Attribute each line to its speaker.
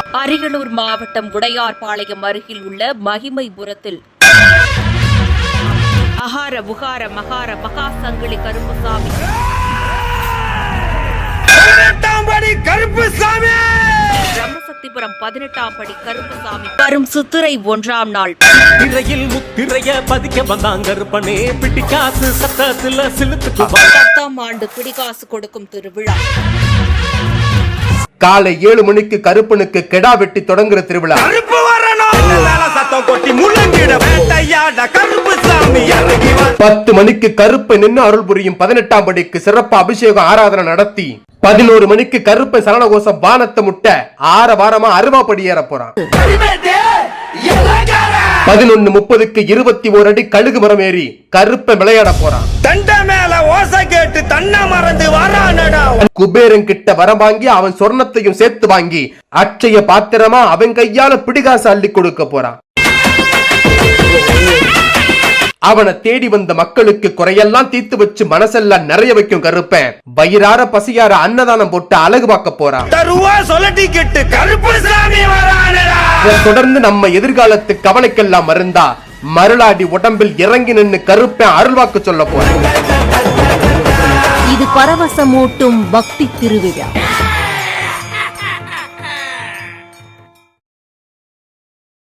Speaker 1: அரியலூர் மாவட்டம் உடையார்பாளையம் அருகில் உள்ள மகிமைபுரத்தில் அகார உகார மகார மகா சங்கிலி கருப்புசாமி பிரம்மசக்திபுரம் 18ஆம் படி கருப்புசாமி வரும் சித்திரை 1ஆம் நாள்
Speaker 2: திரையில் முத்திரைய பதிக்க வந்தாங்க கருப்பனே பிடிக்காசு சத்தத்துல சிலுத்துக்கு
Speaker 1: 10ஆம் ஆண்டு பிடிகாசு கொடுக்கும் திருவிழா.
Speaker 3: காலை 7 மணிக்கு கருப்பனுக்கு கெடா வெட்டி தொடங்குற திருவிழா. 10 மணிக்கு கருப்பை நின்று அருள் புரியும் 18ஆம் படிக்கு சிறப்பு அபிஷேகம் ஆராதனை நடத்தி 11 மணிக்கு கருப்பை சரணகோஷம் வானத்தை முட்ட 6 வாரமா அருவாப்படி ஏற போறான். 11:30க்கு 21 அடி கழுகு மரம் ஏறி கருப்பை விளையாட போறான்.
Speaker 4: தண்ட மேல ஓசை கேட்டு தன்ன மறந்து வரானடா.
Speaker 3: குபேரன் கிட்ட வரம் வாங்கி அவன் சொர்ணத்தையும் சேர்த்து வாங்கி அட்சய பாத்திரமா அவன் கையால பிடிகாசு அள்ளி கொடுக்க போறான். அவனை தேடி வந்த மக்களுக்கு குறையெல்லாம் தீர்த்து வச்சு மனசெல்லாம் நிறைய வைக்கும் கருப்பன். வயிறார பசியார அன்னதானம் போட்டு அழகு பார்க்க போறான். தொடர்ந்து நம்ம எதிர்காலத்து கவலைக்கெல்லாம் மருந்தா மருளாடி உடம்பில் இறங்கி நின்று கருப்பன் அருள்வாக்கு சொல்ல போறான்.
Speaker 5: இது பரவசமூட்டும் பக்தி திருவிழா.